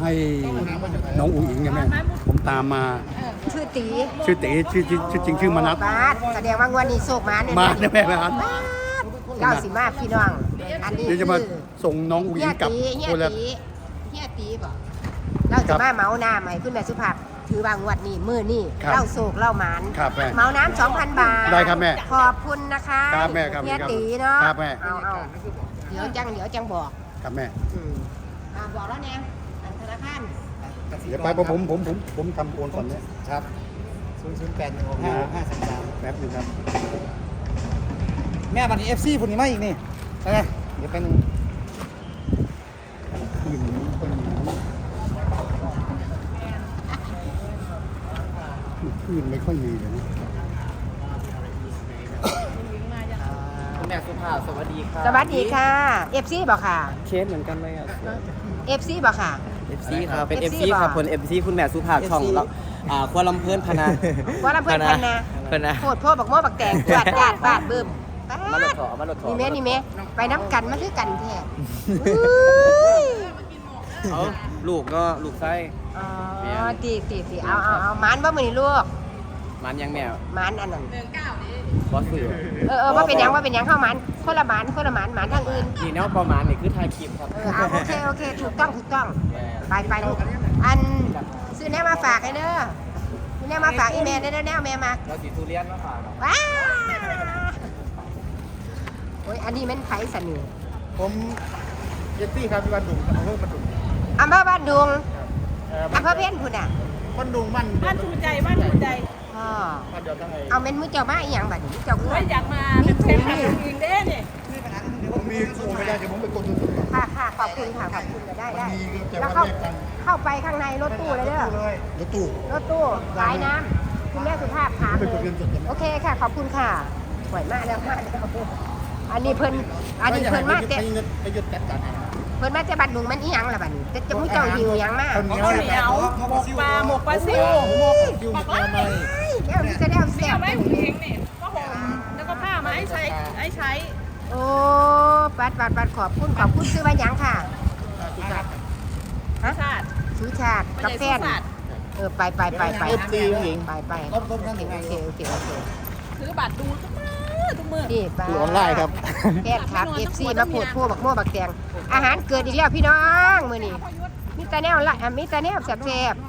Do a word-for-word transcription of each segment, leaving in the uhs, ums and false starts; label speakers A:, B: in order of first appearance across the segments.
A: ให้น้องอุ๋งอิงไงแม่ผมตามมา
B: ชื่อตี
A: ชื่อตีชื่อชื่อชื่อจริงชื่อมนัส
B: บาสแสดงว่างวันนี้โศกมาเนี่ย
A: มาเนี่ยแม่ครับ
B: เก้าสิบมาพี่น้องอันนี้
A: เดี๋ยวจะมาส่งน้องอุ๋งอิงกลับ
B: เฮีย
A: คนละ
B: ตีเฮียตีบอกเราจะมาเมาหน้าใหม่ขึ้นแม่สุภาพถือบางวัดนี่มือนี่เล่าโศกเล่าหมานเมาน้ำสองพันบาท
A: ได้ครับแม่
B: ขอบคุณนะคะ
A: ครับแม่ครับ
B: เฮียตีเนาะ
A: ครับแม่
B: เอาเอาเดี๋ยวจังเดี๋ยวจังบอก
A: ครับแม่
B: บอกแล้วเนี่ยธนาคาร
A: เดี๋ยวไปผมผมผมผมทำโอนก่อนเนี่ย
C: ครับศูนย์ศูนย์แปดหนึ่งหกห้าห้าสามสาม
A: แป๊บนึงครับ
C: แม่บัตรนี้เอฟซีผุนนี้มาอีกนี่ไปไงเดี๋ยวไปหนึ่ง
A: คืนนี้คนนี้คืนไม่ค่อยมีเลยนะ
C: คุณแม่สุภาพสวัสดีค่ะ
B: สวัสดีค่ะเอฟซีบอกค่ะ
C: เคสเหมือนกันเลยอ่ะ
B: เอฟซีบอกค่ะ
C: เอฟซีครับเป็นเอฟซีครับคนเอฟซีคุณแม่สุภาพช่องแล้วอ่าควาลำเพิ่นพนา
B: ควาลำเพิ่นพนา
C: พนา
B: โคตรพ่อบักโม่บักแตงบาดญาติบาดบึ้ม
C: มาหลดถอมาหลดถอ
B: นี่แม่นี่แม่ไปน้ำกันมันคือกันแท้
C: เอาลูกก็ลูกไส้
B: อ๋อตีตีตีเอาเอาเอามันว่ามือนี่ลูก
C: มันยังแมว
B: มันอันนั้น
C: บอสสื่อ
B: เออเออว่าเป็นยังว่าเป็นยังเข้ามันคนละมันคนละมันมันทางอื่น
C: นี่แนวประมาณนี่คือถ่ายคลิปครับ
B: เออเอาโอเคโอเคถูกต้องถูกต้องไปไปลูกอันซื้อแนวมาฝากให้เด้อซื้อแนวมาฝากอีเมลได้เด้อแนวแม่มา
C: เราสีทุเรียนมาฝาก
B: ว้าโอ้ยอันนี้มันไผ่สนิท
C: ผมเจสซี่ครับที่บ้านดุงอำเภอบ้านดุง
B: อำเภอบ้านดุงอำเภอเพี้ยนพุ่นอ่ะ
C: บ้านดุงบ้าน
D: บ้านถูใจบ้านถูใจ
B: อ๋อเอาเม็นมือเจ้ามาอีหยังบัดนี้เจ้าคือ
D: อยากมาเป็นเพลงของเองเด้เนี่ย
A: ผมมีโอนไม่ได้เดี๋ยวผมไปกดดู
B: ค่ะค่ะขอบคุณค่ะขอบคุณได้ได้แล้วเข้าเข้าไปข้างในรถตู้เลยเด้อ
A: รถตู้
B: รถตู้สายน้ำคุณแม่สุภาพถามโอเคค่ะขอบคุณค่ะสวยมากแล้วมากอันนี้เพิ่นอันนี้เพิ่นมากแต่เพิ่นมาจะบัดดุงมันอีหยังล่ะบัดนี้จะจะมุ้ยเจ้าหิวหยังมาก
D: ข้าวเหนียวหมกปลาหมกปลาซิวหมกหมกอะไร
B: แก้วจะได้เอาแซ่บ
D: ไว้หูเองนี่ก็ห่มแล้วก็ผ้ามาให้ใช้ให้ใช้
B: โอ้ปัดปัดปัดขอบคุณขอบคุณซื้อมาหยังค่ะ
D: ฮะชาติ
B: ซื้อชาติกาแฟเออไปไปไปไปไปไปโอเคโอเคโอเค
D: ซื้อบัตรดูทุกมือทุกมือ
B: นี่ไป
C: ออนไลน์ครับ
B: แพทย์ครับเอฟซีมาโพดพวกบักโม่บักแตงอาหารเกิดอีกแล้วพี่น้องมื้อนี้มีแต่แนวละมีแต่แนวแซ่บ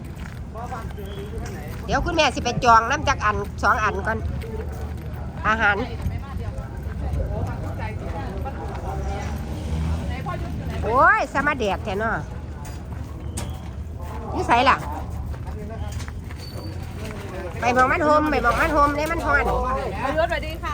B: ๆเดี๋ยวคุณแม่สิไปจองน้ำจักอันสองอันก่อนอาหารโอ้ยสมาแดดแท้เนาะนี่ใส่ล่ะไปมองมันโฮมไปมองมันโฮมเนี่ยมันฮอน
D: ประยุทธ์สวัสดีค่ะ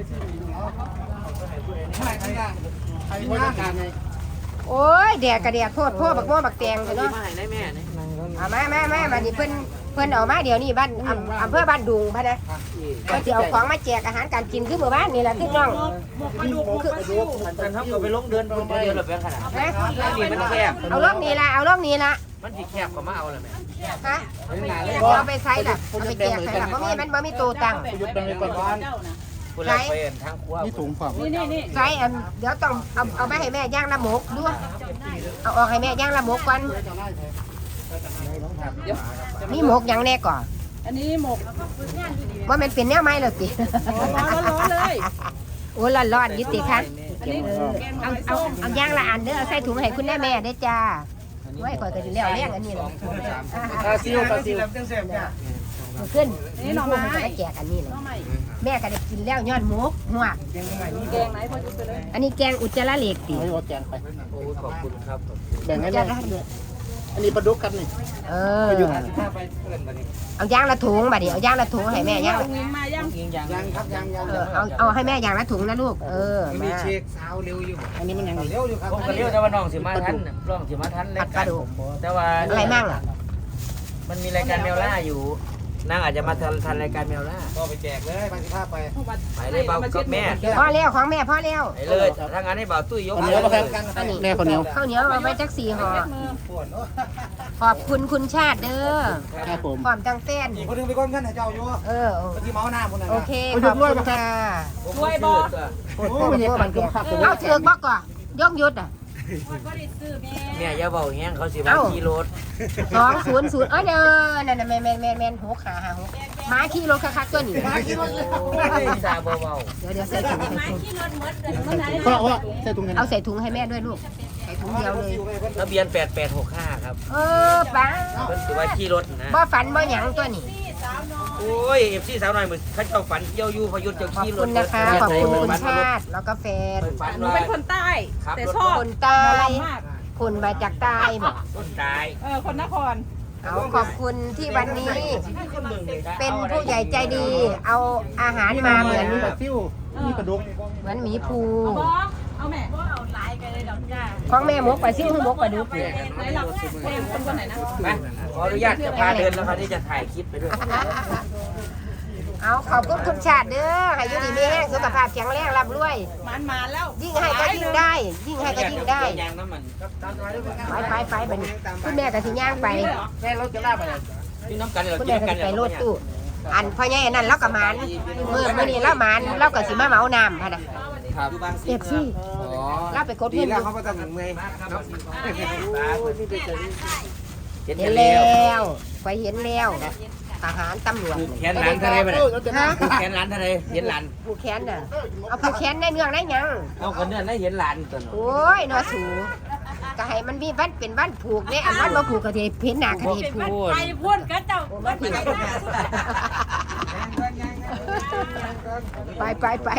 B: โอ้ยแดดกระแดดโทษพ่อบักโม่บักแตงเนาะเอามาแม่แม่มาดิเพิ่นเพิ่นเอามาเดี๋ยวนี้บ้านอำเภอบ้านดุงพะนะก็จะเอาของมาแจกอาหารการกินคือหมู่บ้านนี่แหละพี่น้อง
C: คือมันเท่ากับไปลงเดินคนเดียวหรือเป็นขนาดนี้มันแคบ
B: เอาล่องนี้ละเอาล่องนี้ละ
C: มันสีแคบก็มาเอาเลยไหม
B: ฮะเอาไปใส่ละเอาไปแจกใส่ละเพราะมีมันบ่มีตัวตัง
C: ยุดเป็นไปก่อนใช้ทั้งครัว
A: นี่ถุงฝัก
D: นี่นี่
B: ใส่เดี๋ยวต้องเอาเอาไปให้แม่ย่างละหมกด้วยเอาออกให้แม่ย่างละหมกก่อนนี่หมกยังแน่ก่อน
D: อันนี้หมก
B: ว่ามันเป็นแนวไม้เลยสิ
D: ร้อนเลย
B: โอ้ร้อนร้อนยุติค่ะเอาเอาเอาย่างละอันเด้อใส่ถุงให้คุณแม่แม่ได้จ้าไว้ก่อนก็จะเลี้ยวเลี้ยงอันนี้เลย
C: คาซิลคาซิล
B: ขึ้นนี่หน่อไม้แจกอันนี้เลยแม่ก็ได้กินแล้วย้อนหมกหัว
D: แกงไหนพอจุดไปเลย
B: อันนี้แกงอุจจาระเหล็กตี
C: ให้รถแกงไปโอ้ขอบคุณครับ
A: แบ่งให้แม่อันนี้ปลาดุกกันนี่
B: เออเอาย่างละถุงมาดิเอาย่างละถุงให้แม่ย่าง
D: มาย่าง
C: ย่างครับย่างย่าง
B: เอาเอาให้แม่ย่างละถุงนะลูกเออ
C: มีเช็คสาวเร็วอยู่
A: อันนี้มันยัง
C: เร็วอยู่ครับผมก็เร็วแต่ว่าน้องสิมาทันน้องสิมาทันเลยแต่ว่า
B: อะไรมั่งอ่ะ
C: มันมีรายการแมวล่าอยู่นั่งอาจจะมาทันทันรายการแมวล่าก็ไปแจกเลยบางทีภาพไปไปเลยเบากับแม่
B: พ่อเลี้ยวของแม่พ่อเลี้ยว
C: ไปเลยถ้างั้นให้เบาตุ้ยยก
A: ข้าวเหนียวมาครับแม่ข้าวเหนียว
B: ข้าวเหนียวเอาไปจักสี่ห่อขอบคุณคุณชาติเด้อ
A: ครับผม
B: ความจังเต้น
C: อีกคนนึงไปก้นกันให้เจ้าอยู่
B: เออ
C: ที่เมาหน้าคนนั้น
B: โอเคขอบคุณค่ะ
D: ช่วยบอก
B: เอาเถือกบอกก่อนยกยุดอ่ะ
C: แม่อย่าเบาแห้งเขาสิว่าขี่รถ
B: สองศูนย์ศูนย์เออเด้อนั่นน่ะแม่นแม่นแม่นแม่นหกขาหาหกหมาขี่รถคักๆตัวนี้
C: ซาเบา
B: เดี๋ยวเดี๋ยวใส่ถุงใส่ถุง
A: เพราะว่าใส่ถุงเงิน
B: เอาใส่ถุงให้แม่ด้วยลูกใส่ถุงเดียวเลย
C: ๆทะเบียนแปดแปดหกห้าครับ
B: เออป้า
C: เพิ่นสิว่าขี่รถนะ
B: บ่ฝันบ่หยังตัวนี้
C: โอ้ย เอฟซีสาวหน่อยมื้อเขาเจ้าฝันเที่ยวอยู่พยุทธ์เจ้า
B: ขอบ
C: ขี่ร
B: คุ
C: ถ
B: ณนะคะขอบคุณคุณชาติแล้วก็แฟน
C: ฝัน
D: หนู
C: ว่า
D: เป็นคนใต้ แต่ชอบ
B: คนใต้
D: หมอลำมาก
B: คนมาจากใต้บอก
C: ต้นตาย
D: เออคนนคร
B: เอาขอบคุณที่วันนี้ เป็นผู้ใหญ่ใจดี เอาอาหารมาเหมือน
A: มีปลาซิ่วมีปลาดุก
B: เหมือนหมีภู
D: บอเอาแม่บอเอาไลน์กันเลยดอกจ้า
B: ของแม่หมกปลาซิ่วหมกปลาดุก
D: ไหนหลักเพลงคนคนไหนนะ
C: ไปขออนุญาตจะพาเดินแล้วครับที่จะถ่ายคลิปไปด้วย
B: เอาขอบคุณคุณชาติเด้อให้อยุดีมีแห้งสุขภาพแข็งแรงร่ำรวย
D: มันมาแล้ว
B: ยิ่งให้ก็ยิ่งได้ ยิ่งให้ก็ยิ่งได้
C: ยางน้ำมัน
B: ไปไปไปบัดนคุณแม่ก็สิย่างไป
A: แม่รถจะล่าไป
C: ที่น้ำกันเรา
B: คุณ
C: กิ
B: แม่
C: น
B: ก็
C: กัน
B: สิไปโลดตู้อันพ่อใหญ่อันนั่นเราก็หมานมือมื้อนี้เราหมานเราก็สิมาเหมาน้ำพะนะ
C: ครับ
B: เอฟซี
C: อ๋อ
B: เราไปกด
C: ดี
B: เงินอ
C: แล้ว
B: ยู่
C: เขาก็ต้องเมื่อยเห็น
B: เห็
C: กัน
B: น
C: แล้
B: แล้ว วไปเห็นแล้วทหารตำรวจ
C: แขนหลานเท่าไรไปเลย
B: ฮะ
C: แขนหลานเท่าไรเห็นหลาน
B: ผู้แค้นน่ะเอาผู้แค้นได้เนื่องได้หยัง
C: เอาคนเนี่ยได้เห็นหลานตัว
B: โอ้ยนอสูก็ให้มันมีบ้านเป็นบ้านผูกเนี่ยอันนั้นมาผูกกระเทยเพ้นหน้ากระเทยผูก
D: ไปพูดกันเจ้า
B: บ้านผิดไปไปไป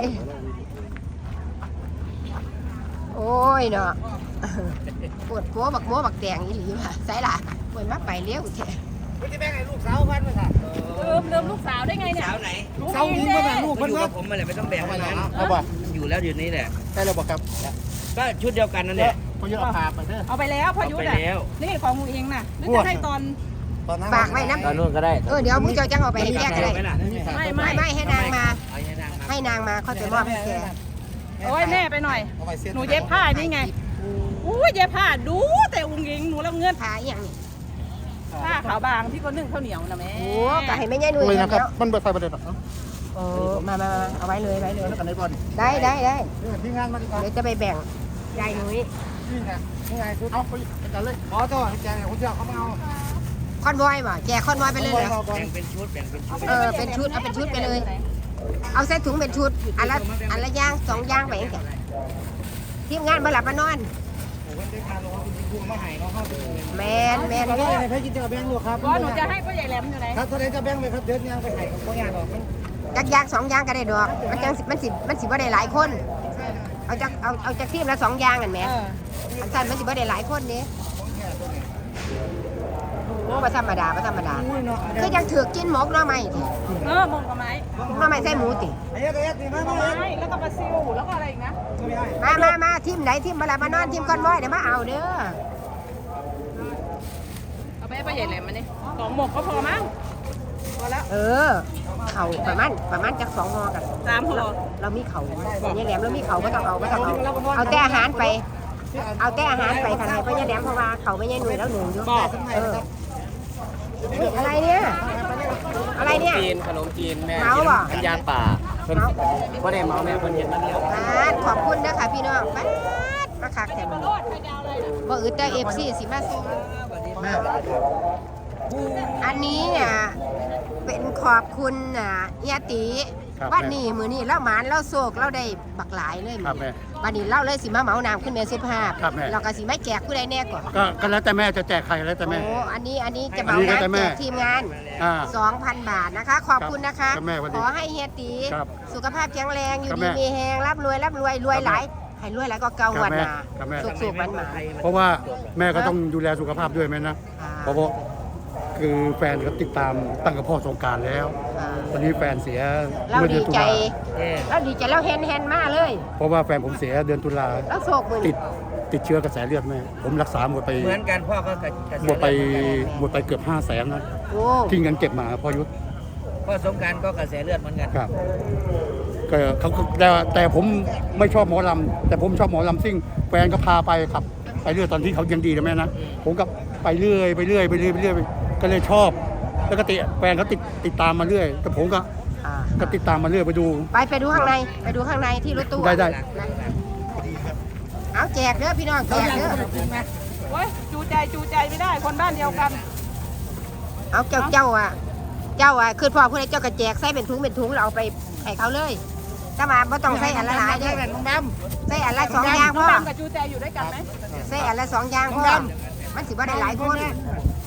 B: โอ้ยเนาะปวดหัวบักโม้บักแดงอีหลีว่ะใส่ล่ะปวดมาไปเลี้ยวแท้
A: ไม่ใช่แม่ไงลูกสาวพันมาค่ะ
D: ลืมลืมลูกสาวได้ไงเนี่ย
C: สาวไหน
A: สาวยิงมาลูก
C: มั
A: พั
C: น
A: น
C: อยู่
A: มา
C: กับผมมาเลยไม่ต้องแบ่งกัน
A: เอาบ่
C: อยู่แล้วอยู่นี่แหละ
A: ได้แล้วบอกครับ
C: ก็ชุดเดียวกันนั่นแหละ
A: พอเยอะเอาพาไปเด้อ
D: เอาไปแล้วพ่อยุทธ
C: เอา
D: อ่ะ
C: ไปแล้ว
D: นี่ของมึงเองน่ะนึกจะให้ตอน
A: ตอนนั้น
B: ฝากไว้นะ
C: ตอนนู้นก็ได้
B: เออเดี๋ยวมึงเจ้าจังเอาไปให้แกก็ได้
D: ไม่
B: ไม่
D: ไม่
B: ไม่ให้นางมา
C: เอาให้นางมา
B: ให้นางมาค่อยไปมอบให้แก
D: โอ้ยแม่ไปหน่อย
A: เอาไปเส้น
D: หนูเย็บผ้านี่ไงอุ้ยเย็บผ้าดูแต่อุ้งยิงหนูแล้วเงื่อน
B: พาอหย่างนี้
D: ผ้าขาวบางที่เขานึ่งข้าวเหนียวนะแม่
B: โอ้ก็ให้แม่ยายหนุ่ย
A: เลย
B: แล้
A: นะครับ
B: ว
A: มันเปิดไฟประเด็นหรอ
B: โอ้มามามาเอาไว้เลยไว้เลย
A: แล้วกันในบอล
B: ได้ได้ได้
A: ที่งานมาดีกว่า
B: เดี๋ยวจะไปแบ่งยายหนุ่ย
A: นี่ไงนี่ไงคือเอาไปกันเลยอ๋อเจ้าแกคุณเจ้าเขาไม่เอา
B: คอนวอยบ่แจกคอนวอยไปเลยเหรอ
C: แบ่งเป็นชุดแบ่งเป็นชุด
B: เออเป็นชุดเอาเป็นชุดไปเลย เอาใส่ถุงเป็นชุดอันละอันละย่างสองย่างไปเองแกทีมงานมาหลับมานอน
A: ผมเป็นได้การรอคุณครูมาหายเนาะเข้าไปเลย
B: แมนแมน
A: ตอนนี้ให้กินเจ้าแบงค์ลูกครับ
D: ก็หนูจะให้พ่อใหญ่แหลมอยู่ไหน
A: ครับตอนนี้จะแบงค์เลยครับเดินยังไปหายกับพ่อใหญ่หรอก
B: จักย่างสองย่างก็ได้ดอกมันจังสิมันสิมันสิบ่ได้หลายคน เอาจากเอาเอาจากทีมละสองย่างกันแหม
D: เออ
B: อันสั้นมันสิบ่ได้หลายคนนี้โอ้บ่ธรรมดาบ่ธรรมดาคือยังถือกินหมกหน่อไม้ติ
D: เออมงกับไม้
B: หน่อไม้ใส่หมูติ
A: ไอ้ยัดไอ้ยัดนี่มา
D: ไม
A: มา
D: ้แล้วก็ปลาซิวแล้วก็อะไรอีกนะ
B: มามามาทีมไหนทีมมาหลับมานอนทีมคอนวอยเดี๋ยวมาเอาเด้อ
D: เอาไปให้พ่อใหญ่แหลมมานี่สองหมกก็พอมั้งพอแล้ว
B: เออเขาประมาณประมาณจากสองหอกัน
D: สามห่อ
B: เรามีเขาเนี่ยแหลมเรามีเขาก็ต้องเอาก็ต้องเอาเอาแต่อาหารไป เอาแต่อาหารไปกันให้พ่อเนี่ยแหลมเพราะว่าเขาไม่ใช่หนุ่ยแล้วหนูอยู่เอออุ๊ยอะไรเนี่ยอะไรเนี่ย
C: จีนขนมจีนแม่
B: เมาบ่
C: อันยางป่าเพิ่นบ่ได้เมาแม่เพิ่นเห็นมันแล้ว
B: บาดขอบคุณนะคะพี่น้องบาดมาคักแต่มันบ่อึดแต่เอฟซีสิมาซื้ออันนี้อ่ะเป็นขอบคุณอ่ะเอียติวันนี้มือนี้เล่าหมานเล่าโศกเล่าได้บักหลายเลย
A: ครับแม่
B: วันนี้เล่าเลยสิมาเหมาน้ำขึ้นแม่สุภาพ
A: ครับแม่
B: เราก็สิไม่แจกผู้ใดแน่ก่อน
A: ก็ก็แล้วแต่แม่จะแจกใครแล้วแต่
B: โอ้
A: แม่
B: อันนี้อันนี้จะเหมา
A: อันนี้แล้วแต่
B: น้ำ
A: แม่
B: แจกทีมงาน
A: อ่า
B: สองพัน บาทนะคะ ขอบคุณนะคะ
A: ครับแม่สวัสดี
B: ขอให้เฮียตี
A: ครับ
B: สุขภาพแข็งแรงอยู่
A: ครับ
B: ดี
A: แม่
B: มีแหงร่ำรวยร่ำรวยรวยหลายให้รวยหลายก็เกาหวันมา
A: ครับแม่
B: สุกๆมันมา
A: เพราะว่าแม่ก็ต้องดูแลสุขภาพด้วยแม่นะ
B: อ่า
A: เพราะว่าคือแฟนเขาติดตามตั้งกับพ่อสงกรารแล้ว
B: อ่า
A: ตอนนี้แฟนเสีย
B: เรา
A: เมื่อเดื
B: ดี
A: อนตุ
B: ใจ
A: ลา
C: เอ๊ะ
B: เราดีใจเราเฮนเฮนมาเลย
A: เพราะว่าแฟนผมเสียเดือนตุลา
B: แล้วโศกมือ
A: ติดติดเชื้อกระแสเลือดแม่ผมรักษาหมดไป
C: เหมือนกันพ่อก็กระกระ
A: หมดไปหมดไปเกือบห้าแสนนะ
B: โอ้
A: ที่เงินเก็บมาพ่อยุทธ
C: พ่อสงกรารก็กระแสเลือดเหมือนกัน
A: ครับก็เขาก็แต่แต่ผมไม่ชอบหมอลำแต่ผมชอบหมอลำซิ่งแฟนก็พาไปขับ ไปเรื่อยตอนที่เขายังดีนะแม่นะผมก็ไปเรื่อยไปเรื่อยไปเรื่อยไปเรื่อยก็เลยชอบ แล้วก็ติแฟนเขาติดติดตามมาเรื่อยแต่ผมก็
B: อ่า
A: ก็ติดตามมาเรื่อยไปดู
B: ไปไปดูข้างในไปดูข้างในที่รถตู้
A: ได้ได้
B: นะเอาแจกเด้อพี่น้องแจกเด้อ
D: โอ้ยจูใจจูใจไม่ได้คนบ้านเดียวกัน
B: เอาเจ้าเจ้าอ่ะเจ้าอ่ะคือพ่อผู้ใดเจ้าก็แจกใส่เป็นถุงเป็นถุงเราเอาไปให้เขาเลยถ้ามาไม่ต้องใส่อันละหลายเด้อใส่อันละสองอย่าง
D: น้
B: พ่
D: อง
B: อ
D: ดำกับจูใจอยู่ด้วยกันไหม
B: ใส่อันละสองอย่างพ่อมันสิบ่ได้หลายคน
D: เ